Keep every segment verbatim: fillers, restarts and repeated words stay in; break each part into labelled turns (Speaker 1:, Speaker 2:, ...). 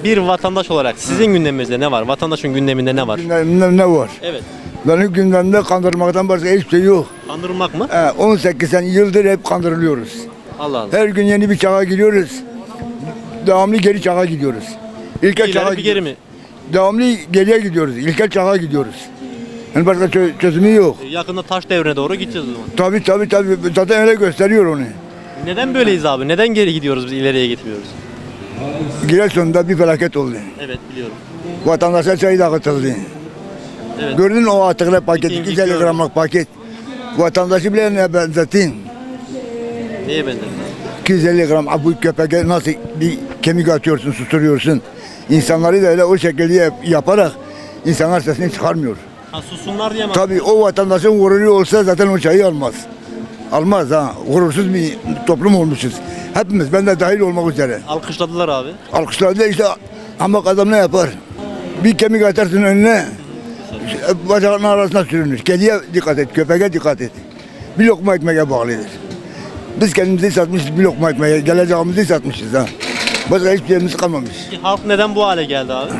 Speaker 1: Bir vatandaş olarak sizin gündeminizde ne var? Vatandaşın gündeminde ne var?
Speaker 2: Gündemimde ne var?
Speaker 1: Evet.
Speaker 2: Benim gündemimde kandırmaktan başka hiçbir şey yok.
Speaker 1: Kandırılmak mı?
Speaker 2: He, on sekiz sene yıldır hep kandırılıyoruz.
Speaker 1: Allah Allah.
Speaker 2: Her gün yeni bir çağa giriyoruz. Devamlı geri çağa gidiyoruz. İlkel
Speaker 1: Bir
Speaker 2: çağa
Speaker 1: ileri bir geri
Speaker 2: gidiyoruz.
Speaker 1: mi?
Speaker 2: Devamlı geriye gidiyoruz. İlkel çağa gidiyoruz. Yani başka çö- çözümü yok.
Speaker 1: E, Yakında taş devrine doğru gideceğiz o zaman.
Speaker 2: Tabii tabii tabii. Zaten öyle gösteriyor onu.
Speaker 1: Neden böyleyiz abi? Neden geri gidiyoruz biz ileriye gitmiyoruz?
Speaker 2: Giresun'da bir felaket oldu.
Speaker 1: Evet biliyorum.
Speaker 2: Vatandaşa çayı dağıtıldı.
Speaker 1: Evet.
Speaker 2: Gördün mü o atıklı paket,
Speaker 1: İkinci
Speaker 2: iki yüz elli
Speaker 1: gördüm.
Speaker 2: gramlık paket. Vatandaşı bile ne benzettin?
Speaker 1: Neye benzer?
Speaker 2: iki yüz elli gram bu köpeğe nasıl bir kemik atıyorsun, susturuyorsun. İnsanları da öyle o şekilde yap- yaparak insanlar sesini çıkarmıyor.
Speaker 1: Ha susunlar diye mi?
Speaker 2: Tabii o vatandaşın gururu olsa zaten o çayı almaz. Almaz ha. Gurursuz bir toplum olmuşuz. Hepimiz, ben de dahil olmak üzere.
Speaker 1: Alkışladılar abi.
Speaker 2: Alkışlarda işte ama adam ne yapar? Bir kemik atarsın önüne, bacağının arasına sürünür. Kediye dikkat et, köpeğe dikkat et. Bir lokma ekmeğe bağlıdır. Biz kendimizi satmışız bir lokma ekmeğe, geleceğimizi satmışız ha. Başka hiçbir şeyimiz kalmamış.
Speaker 1: Peki halk neden bu hale geldi abi?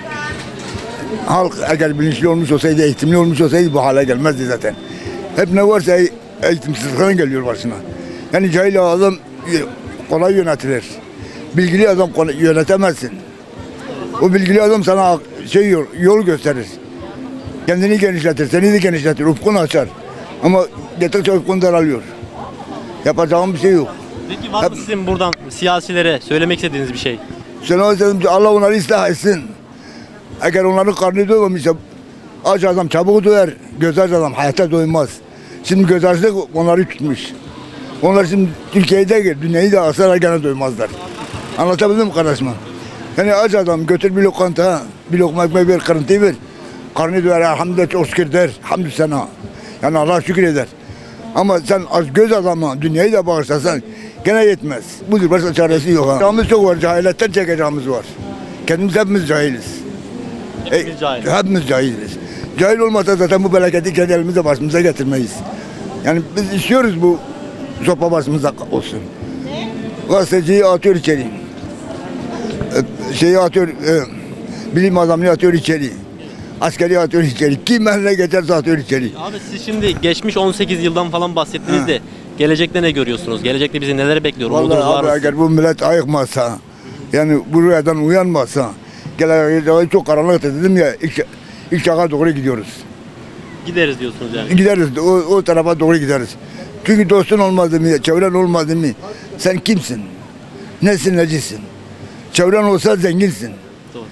Speaker 2: Halk eğer bilinçli olmuş olsaydı, eğitimli olmuş olsaydı bu hale gelmezdi zaten. Hep ne varsa e- eğitimsizlikten geliyor başına. Yani cahil adam kolay yönetilir. Bilgili adam kolay yönetemezsin. O bilgili adam sana şey yol, yol gösterir. Kendini genişletir, seni de genişletir, ufkunu açar. Ama gittikçe ufkun daralıyor. Yapacağım bir şey yok.
Speaker 1: Peki var mı sizin buradan siyasilere söylemek istediğiniz bir şey?
Speaker 2: Sana dedim ki Allah onları ıslah etsin. Eğer onların karnı doymamışsa aç adam çabuk doyar, göz aç adam hayatta doymaz. Şimdi göz açlık onları tutmuş. Onlar şimdi Türkiye'de gel, dünyayı da alsalar gene doymazlar. Anlatabildim mi kardeşim? Yani aç adam götür bir lokanta, bir lokma ekmek ver, kırıntıyı ver. Karnı doyar, elhamdülillah çok şükür der, hamdü sana. Yani Allah şükür eder. Ama sen aç göz adamı dünyayı da bağışlasan gene yetmez. Budur, başka çaresi yok ha. Çağımız çok var, cahilletten çekeceğimiz var. Kendimiz hepimiz cahiliz.
Speaker 1: Hepimiz
Speaker 2: E,
Speaker 1: cahil.
Speaker 2: Hepimiz cahiliz. Cahil olmasa zaten bu felaketi kendi elimize başımıza getirmeyiz. Yani biz istiyoruz bu sopa başımıza olsun. Gazeteciyi atıyor içeri. E, Şeyi atıyor, e, bilim adamını atıyor içeri. Askeri atıyor içeri. Kim eline geçerse atıyor içeri.
Speaker 1: Abi siz şimdi geçmiş on sekiz yıldan falan bahsettiniz de gelecekte ne görüyorsunuz? Gelecekte bizi neler bekliyor? Umudunuz
Speaker 2: Vallahi
Speaker 1: var
Speaker 2: abi
Speaker 1: mı?
Speaker 2: eğer bu millet ayıkmazsa, yani bu rüyadan uyanmazsa, gelecek çok karanlıktır dedim ya, ilk, ilk çağa doğru gidiyoruz.
Speaker 1: Gideriz diyorsunuz yani.
Speaker 2: Gideriz, o, o tarafa doğru gideriz. Çünkü dostun olmadı mı, çevren olmadı mı, sen kimsin? Nesin, necisin? Çevren olsa zenginsin.
Speaker 1: Doğru.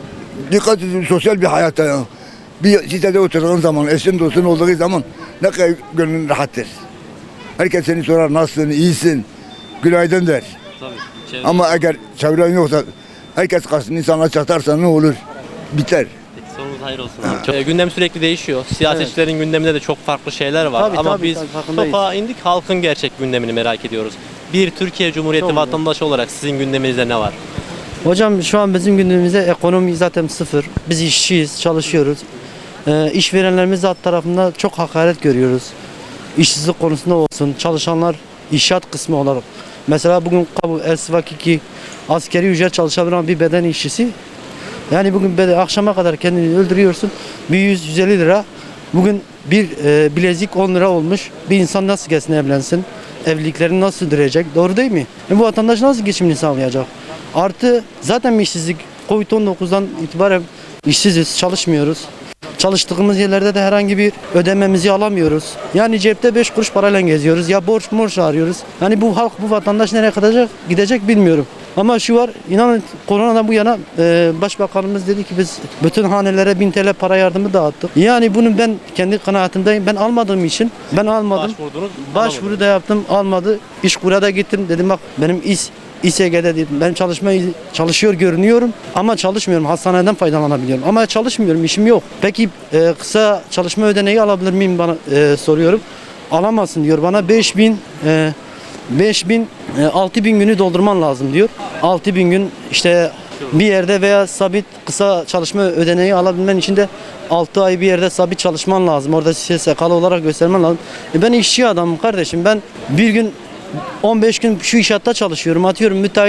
Speaker 2: Dikkat edin sosyal bir hayatta ya. Bir sitede oturduğun zaman, eşin dostun olduğu zaman ne kadar gönlün rahattır. Herkes seni sorar, nasılsın, iyisin, günaydın der.
Speaker 1: Tabii. Çevre-
Speaker 2: Ama eğer çevren yoksa, herkes karşısında insana çatarsa ne olur? Biter.
Speaker 1: Peki, sonunuz hayır olsun abi. Çok- E, gündem sürekli değişiyor. Siyasetçilerin gündeminde de çok farklı şeyler var.
Speaker 3: Tabii,
Speaker 1: Ama
Speaker 3: tabii,
Speaker 1: biz
Speaker 3: tabii, farkındayız.
Speaker 1: topa indik, halkın gerçek gündemini merak ediyoruz. Bir Türkiye Cumhuriyeti
Speaker 3: Çok
Speaker 1: vatandaşı olarak sizin gündeminizde ne var?
Speaker 3: Hocam şu an bizim gündemimizde ekonomi zaten sıfır. Biz işçiyiz, çalışıyoruz. Ee, işverenlerimiz alt tarafında çok hakaret görüyoruz. İşsizlik konusunda olsun, çalışanlar inşaat kısmı olarak. Mesela bugün bu Elsivak iki askeri ücret çalışabilen bir beden işçisi. Yani bugün beden, akşama kadar kendini öldürüyorsun. Bir yüz yüz elli lira. Bugün bir e, bilezik on lira olmuş. Bir insan nasıl gelsin evlensin? Evliliklerini nasıl sürdürecek? Doğru değil mi? E bu vatandaş nasıl geçimini sağlayacak? Artı zaten işsizlik kovid on dokuzdan itibaren işsiziz, çalışmıyoruz. Çalıştığımız yerlerde de herhangi bir ödememizi alamıyoruz. Yani cepte beş kuruş parayla geziyoruz. Ya borç borç arıyoruz. Yani bu halk, bu vatandaş nereye kadar gidecek bilmiyorum. Ama şu var, inanın koronadan bu yana e, başbakanımız dedi ki biz bütün hanelere bin T L para yardımı dağıttık. Yani bunu ben kendi kanaatimdeyim. Ben almadığım için ben almadım.
Speaker 1: Başvurdunuz,
Speaker 3: Başvuru
Speaker 1: alamadınız.
Speaker 3: da yaptım, almadı. İşkur'a da gittim. Dedim bak benim iş İ S G'de dedim. Ben çalışma çalışıyor görünüyorum ama çalışmıyorum. Hastaneden faydalanabiliyorum. Ama çalışmıyorum, işim yok. Peki e, kısa çalışma ödeneği alabilir miyim bana e, soruyorum. Alamazsın diyor bana. beş bin e, beş bin e, altı bin günü doldurman lazım diyor. altı bin gün işte bir yerde veya sabit kısa çalışma ödeneği alabilmen için de altı ay bir yerde sabit çalışman lazım. Orada S S K'lı olarak göstermen lazım. E ben işçi adamım kardeşim. Ben bir gün on beş gün şu inşaatta çalışıyorum. Atıyorum müteahhit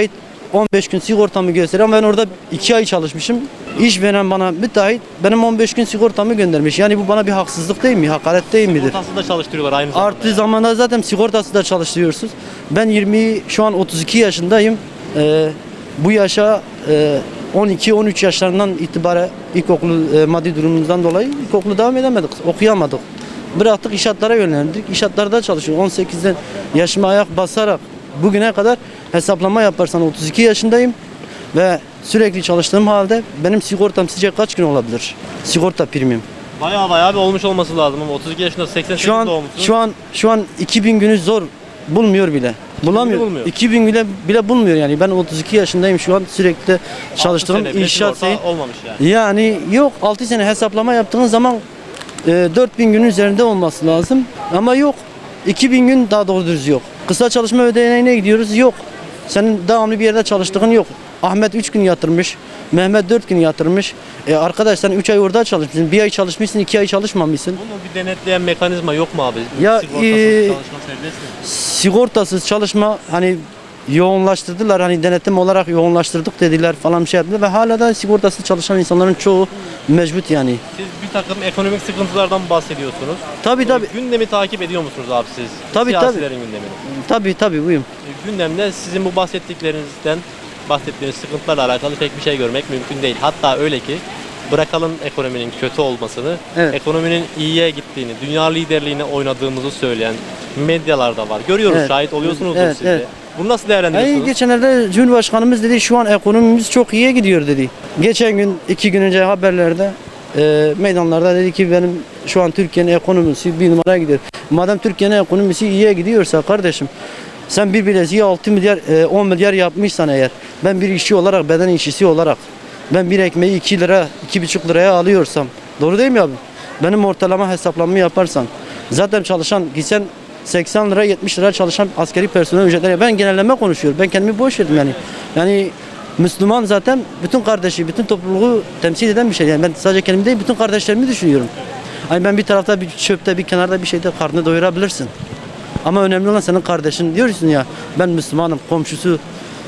Speaker 3: on beş gün sigortamı gösteriyor ama ben orada iki ay çalışmışım. İşveren bana müteahhit benim on beş gün sigortamı göndermiş. Yani bu bana bir haksızlık değil mi? Hakaret değil midir?
Speaker 1: Sigortası da çalıştırıyorlar aynı zamanda.
Speaker 3: Artı zamanda zaten sigortası da çalıştırıyorsunuz. Ben yirmi şu an otuz iki yaşındayım. Ee, bu yaşa e, on iki on üç yaşlarından itibaren ilkokulu e, maddi durumumuzdan dolayı ilkokulu devam edemedik. Okuyamadık. Bıraktık inşaatlara yönlendik. İnşaatlarda çalışıyorum. on sekizden yaşıma ayak basarak bugüne kadar hesaplama yaparsan otuz iki yaşındayım ve sürekli çalıştığım halde benim sigortam sizce kaç gün olabilir? Sigorta primim.
Speaker 1: Bayağı bayağı bir olmuş olması lazım ama otuz iki yaşında seksen sekiz
Speaker 3: Şu an
Speaker 1: doğmuşsun.
Speaker 3: şu an şu an iki bin günü zor bulmuyor bile. Bulamıyor.
Speaker 1: bulmuyor.
Speaker 3: iki bin bile bile bulmuyor yani. Ben otuz iki yaşındayım şu an sürekli çalıştığım
Speaker 1: Altı sene bile
Speaker 3: inşaat
Speaker 1: sigorta
Speaker 3: şeyi.
Speaker 1: olmamış yani.
Speaker 3: Yani yok altı sene hesaplama yaptığın zaman e, dört bin günün üzerinde olması lazım. Ama yok. iki bin gün daha doğru düz yok. Kısa çalışma ödeneğine gidiyoruz. Yok. Senin devamlı bir yerde çalıştığın yok. Ahmet üç gün yatırmış. Mehmet dört gün yatırmış. E arkadaş sen üç ay orada çalışmışsın. Bir ay çalışmışsın, iki ay çalışmamışsın.
Speaker 1: Bunu bir denetleyen mekanizma yok mu abi?
Speaker 3: Ya,
Speaker 1: Sigortasız
Speaker 3: e,
Speaker 1: çalışma serbest mi?
Speaker 3: Sigortasız çalışma hani yoğunlaştırdılar. Hani denetim olarak yoğunlaştırdık dediler falan bir şey yaptılar. Ve hala da sigortasız çalışan insanların çoğu mecbut yani.
Speaker 1: Siz bir takım ekonomik sıkıntılardan bahsediyorsunuz.
Speaker 3: Tabii tabii.
Speaker 1: E, Gündemi takip ediyor musunuz abi siz?
Speaker 3: Tabii, tabii.
Speaker 1: Siyasilerin gündemini.
Speaker 3: Tabii tabii buyum.
Speaker 1: E, Gündemde sizin bu bahsettiklerinizden bahsettiğiniz sıkıntılarla alakalı pek bir şey görmek mümkün değil. Hatta öyle ki bırakalım ekonominin kötü olmasını,
Speaker 3: Evet.
Speaker 1: ekonominin iyiye gittiğini, dünya liderliğine oynadığımızı söyleyen medyalar da var. Görüyoruz,
Speaker 3: Evet.
Speaker 1: şahit oluyorsunuzdur
Speaker 3: Evet,
Speaker 1: siz de.
Speaker 3: evet.
Speaker 1: Bunu nasıl değerlendiriyorsunuz?
Speaker 3: Yani geçenlerde Cumhurbaşkanımız dedi şu an ekonomimiz çok iyiye gidiyor dedi. Geçen gün iki gün önce haberlerde e, meydanlarda dedi ki benim şu an Türkiye'nin ekonomisi bir numaraya gidiyor. Madem Türkiye'nin ekonomisi iyiye gidiyorsa kardeşim sen bir bileziği altı milyar e, on milyar yapmışsan eğer ben bir işçi olarak beden işçisi olarak ben bir ekmeği iki lira iki buçuk liraya alıyorsam doğru değil mi abi? Benim ortalama hesaplamamı yaparsan zaten çalışan gitsen seksen lira yetmiş lira çalışan askeri personel ücretleri ben genelleme konuşuyorum. Ben kendimi boş verdim yani. Yani Müslüman zaten bütün kardeşi, bütün topluluğu temsil eden bir şey. Yani ben sadece kendimi değil bütün kardeşlerimi düşünüyorum. Hani ben bir tarafta bir çöpte bir kenarda bir şeyde karnını doyurabilirsin. Ama önemli olan senin kardeşin diyorsun ya ben Müslümanım komşusu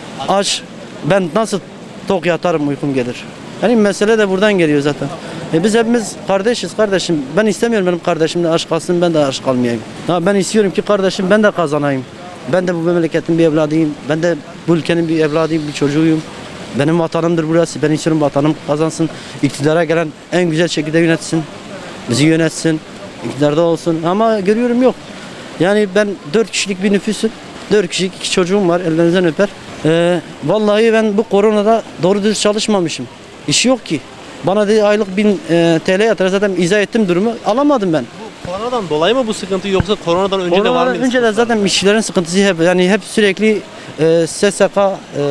Speaker 3: aç ben nasıl tok yatarım uykum gelir. Yani mesele de buradan geliyor zaten. E biz hepimiz kardeşiz kardeşim. Ben istemiyorum benim kardeşim de aç kalsın ben de aç kalmayayım. Ha ben istiyorum ki kardeşim ben de kazanayım. Ben de bu memleketin bir evladıyım. Ben de bu ülkenin bir evladıyım, bir çocuğuyum. Benim vatanımdır burası. Ben istiyorum vatanım kazansın. İktidara gelen en güzel şekilde yönetsin. Bizi yönetsin. İktidarda olsun. Ama görüyorum yok. Yani ben dört kişilik bir nüfusum. dört kişilik iki çocuğum var. Ellerinizden öper. Ee, vallahi ben bu koronada doğru düz çalışmamışım. İş yok ki. Bana dedi aylık bin e, T L yatır. Zaten izah ettim durumu. Alamadım ben.
Speaker 1: Bu koronadan dolayı mı bu sıkıntı yoksa koronadan önce de var
Speaker 3: Koronadan
Speaker 1: mıydı?
Speaker 3: önce de
Speaker 1: sıkıntılar?
Speaker 3: zaten işçilerin sıkıntısı hep yani hep sürekli e, S S K e,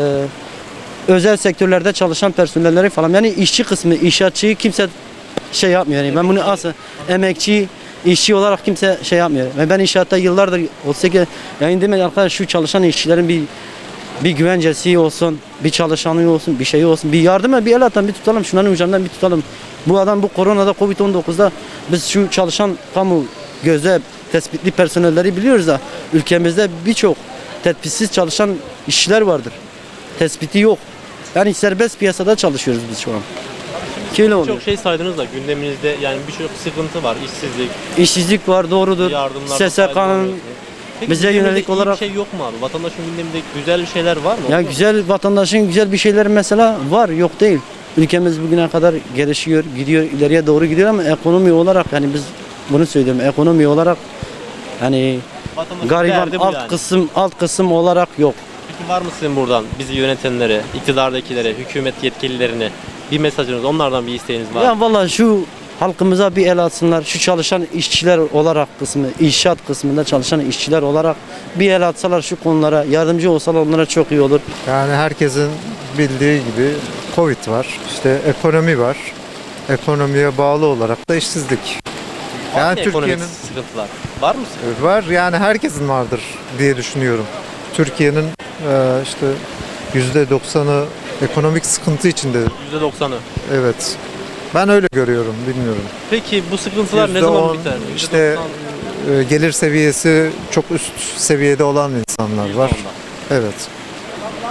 Speaker 3: özel sektörlerde çalışan personelleri falan yani işçi kısmı inşaatçıyı kimse şey yapmıyor yani ben bunu asıl emekçi işçi olarak kimse şey yapmıyor. Yani ben inşaatta yıllardır otuz sekiz yani demek arkadaş şu çalışan işçilerin bir bir güvencesi olsun, bir çalışanı olsun, bir şey olsun, bir yardıma bir el atan bir tutalım, şunların ucundan bir tutalım. Bu adam bu koronada Covid on dokuzda biz şu çalışan kamu göze tespitli personelleri biliyoruz da ülkemizde birçok tespitsiz çalışan işçiler vardır. Tespiti yok. Yani serbest piyasada çalışıyoruz biz şu an. Öyle oluyor.
Speaker 1: Çok şey saydınız da gündeminizde yani birçok sıkıntı var. İşsizlik,
Speaker 3: İşsizlik var doğrudur.
Speaker 1: yardımlar.
Speaker 3: S S K'nın
Speaker 1: Peki
Speaker 3: bize
Speaker 1: gündeminde
Speaker 3: yönelik
Speaker 1: iyi
Speaker 3: olarak-
Speaker 1: bir şey yok mu abi? Vatandaşın gündeminde güzel bir şeyler var mı?
Speaker 3: ya
Speaker 1: Olur mu?
Speaker 3: güzel vatandaşın güzel bir şeyler mesela var yok değil. Ülkemiz bugüne kadar gelişiyor, gidiyor, ileriye doğru gidiyor ama ekonomi olarak yani biz bunu söylüyorum ekonomi olarak hani
Speaker 1: Vatandaşın
Speaker 3: gariban
Speaker 1: derdi bu
Speaker 3: alt
Speaker 1: yani.
Speaker 3: kısım alt kısım olarak yok.
Speaker 1: Peki var mı sizin buradan bizi yönetenlere, iktidardakilere, hükümet yetkililerine bir mesajınız, onlardan bir isteğiniz var mı?
Speaker 3: Ya vallahi şu halkımıza bir el atsınlar. Şu çalışan işçiler olarak kısmı, inşaat kısmında çalışan işçiler olarak bir el atsalar şu konulara, yardımcı olsalar onlara çok iyi olur.
Speaker 4: Yani herkesin bildiği gibi Covid var, işte ekonomi var. Ekonomiye bağlı olarak da işsizlik.
Speaker 1: Var
Speaker 4: Yani
Speaker 1: mı ekonomik
Speaker 4: Türkiye'nin
Speaker 1: sıkıntılar? Var mı sıkıntı?
Speaker 4: var yani herkesin vardır diye düşünüyorum. Türkiye'nin e, işte yüzde doksanı ekonomik sıkıntı içinde.
Speaker 1: yüzde doksanı.
Speaker 4: Evet. Ben öyle görüyorum, bilmiyorum.
Speaker 1: Peki bu sıkıntılar ne
Speaker 4: yüzde
Speaker 1: zaman
Speaker 4: on
Speaker 1: biter?
Speaker 4: işte
Speaker 1: yüzde doksan,
Speaker 4: e, gelir seviyesi çok üst seviyede olan insanlar
Speaker 1: yüzde
Speaker 4: var.
Speaker 1: onda.
Speaker 4: Evet.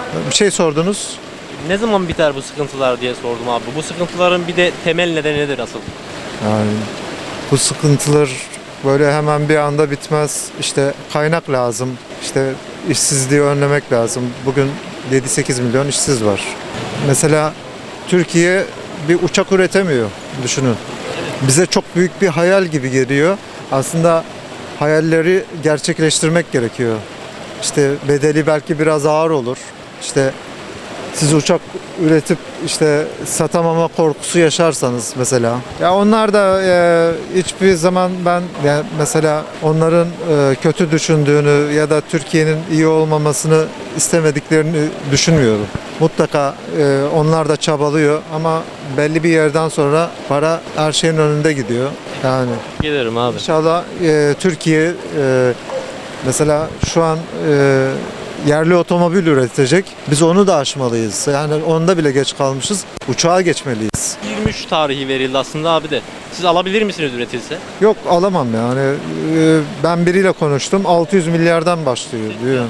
Speaker 4: Bir şey sordunuz.
Speaker 1: Ne zaman biter bu sıkıntılar diye sordum abi. Bu sıkıntıların bir de temel nedeni nedir asıl?
Speaker 4: Yani bu sıkıntılar böyle hemen bir anda bitmez. İşte kaynak lazım. İşte işsizliği önlemek lazım. Bugün yedi sekiz milyon işsiz var. Mesela Türkiye bir uçak üretemiyor. Düşünün. Bize çok büyük bir hayal gibi geliyor. Aslında hayalleri gerçekleştirmek gerekiyor. İşte bedeli belki biraz ağır olur. İşte siz uçak üretip işte satamama korkusu yaşarsanız mesela. Ya onlar da e, hiçbir zaman ben yani mesela onların e, kötü düşündüğünü ya da Türkiye'nin iyi olmamasını istemediklerini düşünmüyorum. Mutlaka e, onlar da çabalıyor ama belli bir yerden sonra para her şeyin önünde gidiyor. Yani
Speaker 1: Gelirim abi.
Speaker 4: İnşallah e, Türkiye e, mesela şu an e, yerli otomobil üretecek. Biz onu da aşmalıyız. Yani onda bile geç kalmışız. Uçağa geçmeliyiz.
Speaker 1: yirmi üç tarihi verildi aslında abi de. Siz alabilir misiniz üretilse?
Speaker 4: Yok alamam yani. E, ben biriyle konuştum. altı yüz milyardan başlıyor diyor.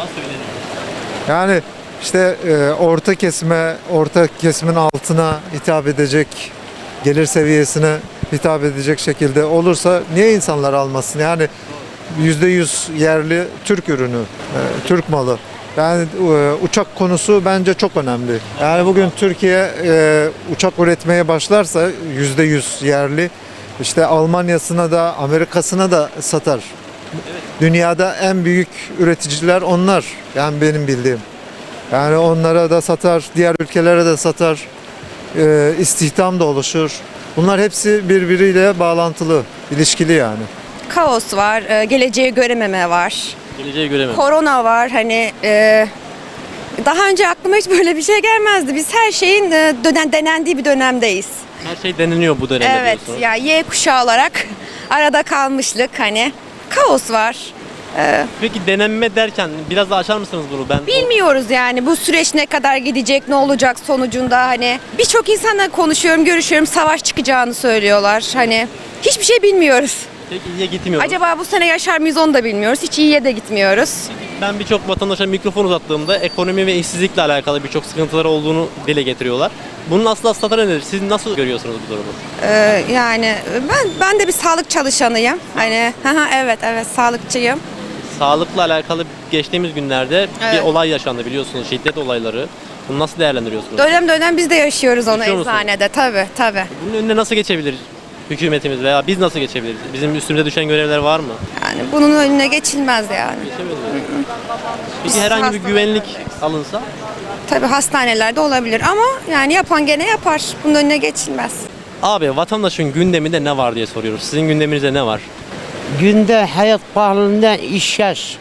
Speaker 4: Yani işte e, orta kesime, orta kesimin altına hitap edecek, gelir seviyesine hitap edecek şekilde olursa niye insanlar almasın? Yani yüzde yüz yerli Türk ürünü, e, Türk malı. Yani e, uçak konusu bence çok önemli. Yani bugün Türkiye e, uçak üretmeye başlarsa yüzde yüz yerli, işte Almanya'sına da Amerika'sına da satar. Dünyada en büyük üreticiler onlar. Yani benim bildiğim. Yani onlara da satar, diğer ülkelere de satar. E, istihdam da oluşur. Bunlar hepsi birbiriyle bağlantılı, ilişkili yani.
Speaker 5: Kaos var, e, geleceği görememe var.
Speaker 1: Geleceği göremem.
Speaker 5: Korona var. Hani e, daha önce aklıma hiç böyle bir şey gelmezdi. Biz her şeyin e, dönen denendiği bir dönemdeyiz.
Speaker 1: Her şey deneniyor bu dönemde
Speaker 5: Evet,
Speaker 1: diyorsunuz.
Speaker 5: ya Y kuşağı olarak arada kalmışlık hani. Kaos var. E,
Speaker 1: Peki denenme derken biraz daha açar mısınız bunu? Ben
Speaker 5: bilmiyoruz yani bu süreç ne kadar gidecek, ne olacak sonucunda hani. Birçok insanla konuşuyorum, görüşüyorum, savaş çıkacağını söylüyorlar. Hani hiçbir şey bilmiyoruz.
Speaker 1: pek iyiye gitmiyor.
Speaker 5: Acaba bu sene yaşar mıyız onu da bilmiyoruz. Hiç iyiye de gitmiyoruz.
Speaker 1: Ben birçok vatandaşa mikrofon uzattığımda ekonomi ve işsizlikle alakalı birçok sıkıntıları olduğunu dile getiriyorlar. Bunun aslı aslı nedir? Siz nasıl görüyorsunuz bu durumu?
Speaker 5: Ee, yani ben ben de bir sağlık çalışanıyım. Hani haha, evet evet sağlıkçıyım.
Speaker 1: Sağlıkla alakalı geçtiğimiz günlerde
Speaker 5: Evet.
Speaker 1: bir olay yaşandı biliyorsunuz, şiddet olayları. Bunu nasıl değerlendiriyorsunuz?
Speaker 5: Dönem dönem biz de yaşıyoruz onu
Speaker 1: Yaşıyor musunuz?
Speaker 5: eczanede tabii tabii.
Speaker 1: Bunun önüne nasıl geçebilir hükümetimiz veya biz nasıl geçebiliriz? Bizim üstümüze düşen görevler var mı?
Speaker 5: Yani bunun önüne geçilmez yani.
Speaker 1: Geçemiyoruz. Peki herhangi bir
Speaker 5: Hastalık-
Speaker 1: güvenlik alınsa?
Speaker 5: Tabii hastanelerde olabilir ama yani yapan gene yapar. Bunun önüne geçilmez.
Speaker 1: Abi vatandaşın gündeminde ne var diye soruyoruz. Sizin gündeminizde ne var?
Speaker 6: Günde hayat pahalılığından iş yaş.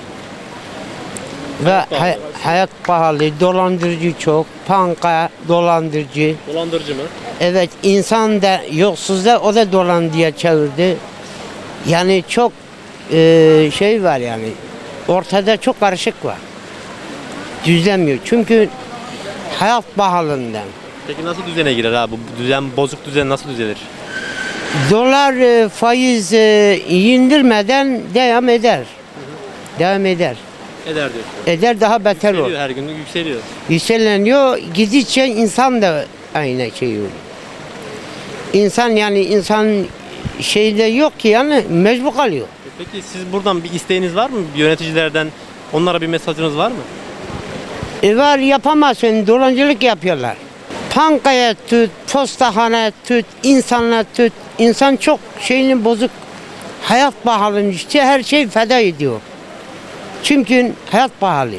Speaker 6: Ve
Speaker 1: Hayat pahalı.
Speaker 6: hay- hayat pahalı, dolandırıcı çok, panka dolandırıcı.
Speaker 1: Dolandırıcı mı?
Speaker 6: Evet, insan da yolsuz da o da dolandırıcıya çevirdi. Yani çok e, şey var yani, ortada çok karışık var. Düzlemiyor çünkü hayat pahalılığından.
Speaker 1: Peki nasıl düzene girer abi? Bu düzen, bozuk düzen nasıl düzelir?
Speaker 6: Dolar e, faiz e, indirmeden devam eder. Devam eder.
Speaker 1: Eder diyorsun.
Speaker 6: Eder daha beter olur.
Speaker 1: Yükseliyor, her gün yükseliyor.
Speaker 6: Yükseleniyor, gidince insan da aynı şey oluyor. İnsan yani insan şeyde yok ki yani mecbur kalıyor.
Speaker 1: Peki siz buradan bir isteğiniz var mı? Bir yöneticilerden onlara bir mesajınız var mı?
Speaker 6: E var yapamazsın, dolancılık yapıyorlar. Pankaya tut, postahane tut, insanla tut. İnsan çok şeyini bozuk. Hayat pahalı işte her şey feda ediyor. Çünkü hayat pahalı.